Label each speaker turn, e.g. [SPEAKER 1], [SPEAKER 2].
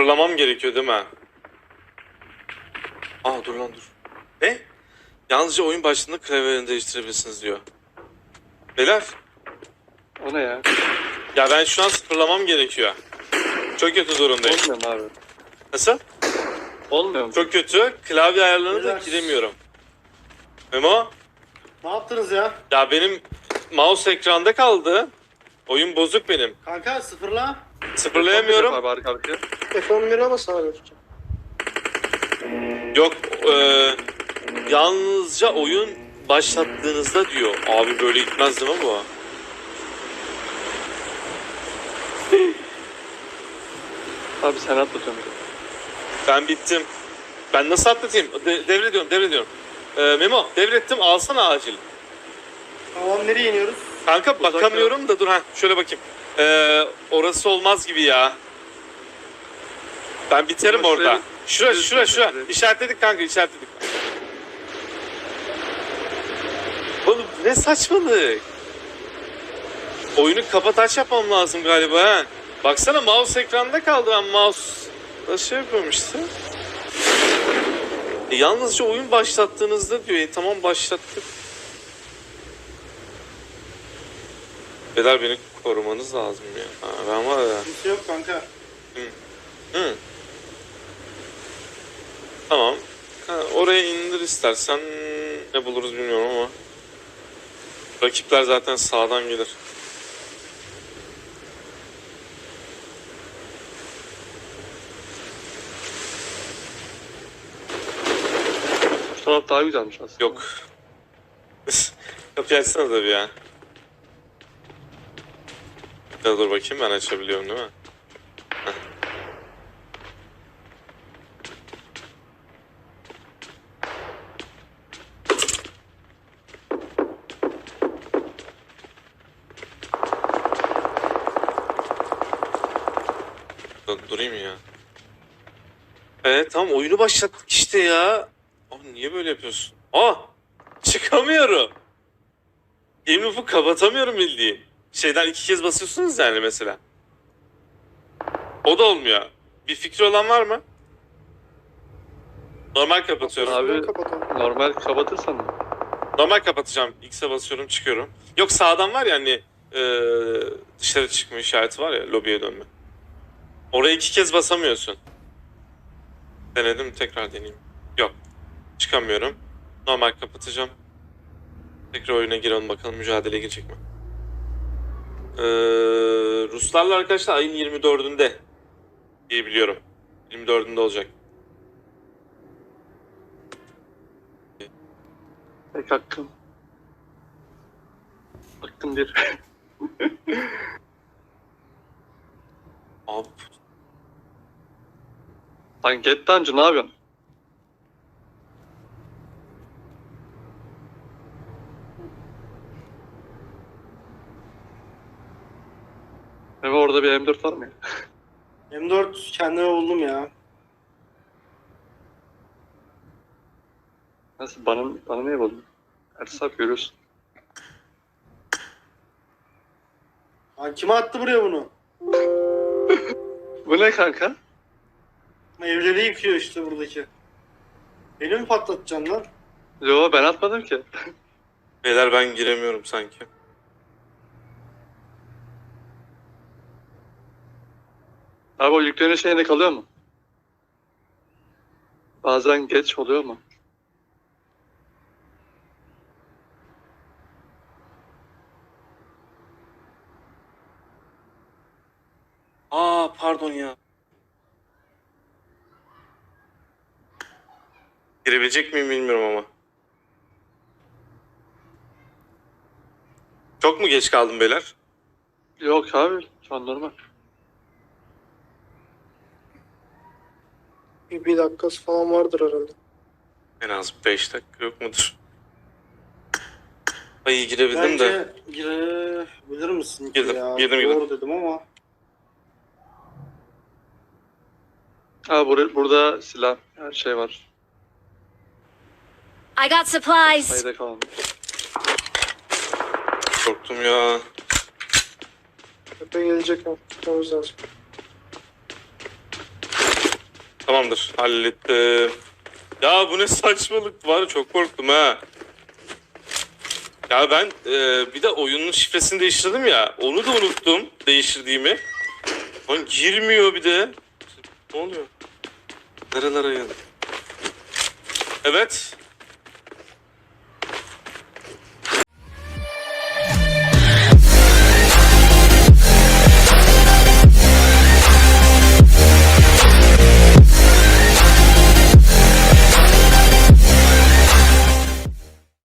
[SPEAKER 1] Fırlamam gerekiyor değil mi? Aa dur lan dur. Ne? Yalnızca oyun başlığında klavyelerini değiştirebilirsiniz diyor. Beyler.
[SPEAKER 2] O ne ya?
[SPEAKER 1] Ya ben şu an sıfırlamam gerekiyor. Çok kötü durumdayım.
[SPEAKER 2] Olmuyor mu abi?
[SPEAKER 1] Nasıl?
[SPEAKER 2] Olmuyor mu?
[SPEAKER 1] Çok kötü. Klavye ayarlarına da
[SPEAKER 3] Beyler.
[SPEAKER 1] giremiyorum. Memo?
[SPEAKER 3] Ne yaptınız ya?
[SPEAKER 1] Ya benim mouse ekranda kaldı. Oyun bozuk benim.
[SPEAKER 3] Kanka sıfırla.
[SPEAKER 1] Sıfırlayamıyorum.
[SPEAKER 2] Abi arka arkaya.
[SPEAKER 3] F11'e bas abi.
[SPEAKER 1] Yok. Yalnızca oyun başlattığınızda diyor. Abi böyle gitmez değil mi bu?
[SPEAKER 2] Abi sen atlatıyorsun.
[SPEAKER 1] Ben bittim. Ben nasıl atlatayım? Devrediyorum. Memo devrettim, alsana acil.
[SPEAKER 3] Tamam, nereye iniyoruz?
[SPEAKER 1] Kanka
[SPEAKER 2] Uzak
[SPEAKER 1] bakamıyorum da dur ha şöyle bakayım. Orası olmaz gibi ya. Ben biterim
[SPEAKER 2] Ama
[SPEAKER 1] orada.
[SPEAKER 2] şuraya-
[SPEAKER 1] Şura. İşaretledik kanka, işaretledik. Oğlum ne saçmalık. Oyunu kapat aç yapmam lazım galiba ha. Baksana mouse ekranda kaldı, ben mouse şey yapıyorum işte. Yalnızca oyun başlattığınızda diyor. Tamam başlattık. Beyler beni korumanız lazım ya. Ha, ben var ya.
[SPEAKER 3] Kimse yok kanka.
[SPEAKER 1] Hı. Tamam. Ha, oraya indir istersen, ne buluruz bilmiyorum ama. Rakipler zaten sağdan gelir.
[SPEAKER 2] Şu taraf daha güzelmiş aslında.
[SPEAKER 1] Yok. Kapıyı açsana tabii ya. Ya dur bakayım, ben açabiliyorum değil mi? Heh. Durayım ya. Evet tamam, oyunu başlattık işte ya. Abi niye böyle yapıyorsun? Çıkamıyorum. Game loop'u kapatamıyorum bildiğin. Şeyden 2 kez basıyorsunuz yani mesela. O da olmuyor. Bir fikri olan var mı? Normal kapatıyorum.
[SPEAKER 2] Abi
[SPEAKER 3] Kapatalım.
[SPEAKER 2] normal kapatırsan mı?
[SPEAKER 1] Normal kapatacağım. X'e basıyorum, çıkıyorum. Yok sağdan var ya hani dışarı çıkma işareti var ya, lobiye dönme. Oraya 2 kez basamıyorsun. Denedim, tekrar deneyeyim. Yok. Çıkamıyorum. Normal kapatacağım. Tekrar oyuna girelim bakalım mücadeleye girecek mi? Ruslarla arkadaşlar ayın 24'ünde diye biliyorum. 24'ünde olacak.
[SPEAKER 2] Tek hakkım. Hakkım bir.
[SPEAKER 1] Abi
[SPEAKER 2] Lan get dungeon ne yapıyorsun? Evet orada bir M4 var mı ya?
[SPEAKER 3] M4 kendime buldum ya.
[SPEAKER 2] Nasıl bana niye buldun? Ersaf görüyorsun.
[SPEAKER 3] Lan kime attı buraya bunu?
[SPEAKER 2] Bu ne kanka?
[SPEAKER 3] Evleri yıkıyor işte buradaki. Beni mi patlatacaksın lan?
[SPEAKER 2] Yo ben atmadım ki.
[SPEAKER 1] beyler ben giremiyorum sanki.
[SPEAKER 2] Abi o yüklerin şeyinde kalıyor mu? Bazen geç oluyor mu?
[SPEAKER 1] Pardon ya. Girebilecek miyim bilmiyorum ama. Çok mu geç kaldım beyler?
[SPEAKER 2] Yok abi şu an normal.
[SPEAKER 3] Bir dakikası falan vardır herhalde.
[SPEAKER 1] En az 5 dakika yok mudur? Ay girebildim de.
[SPEAKER 3] Bence girebilir misin ki
[SPEAKER 1] Girdim,
[SPEAKER 3] ya?
[SPEAKER 1] girdim.
[SPEAKER 3] Doğru dedim ama.
[SPEAKER 2] Abi burada silah her şey var.
[SPEAKER 4] I got supplies.
[SPEAKER 2] Sayıda kalmış.
[SPEAKER 1] Korktum ya.
[SPEAKER 3] Tepe gelecek ama tutmamız lazım.
[SPEAKER 1] Tamamdır. Hallettim. Ya bu ne saçmalık var. Çok korktum ha. Ya ben bir de oyunun şifresini değiştirdim ya. Onu da unuttum değiştirdiğimi. Lan girmiyor bir de. Ne oluyor? Nerelere geldi? Evet.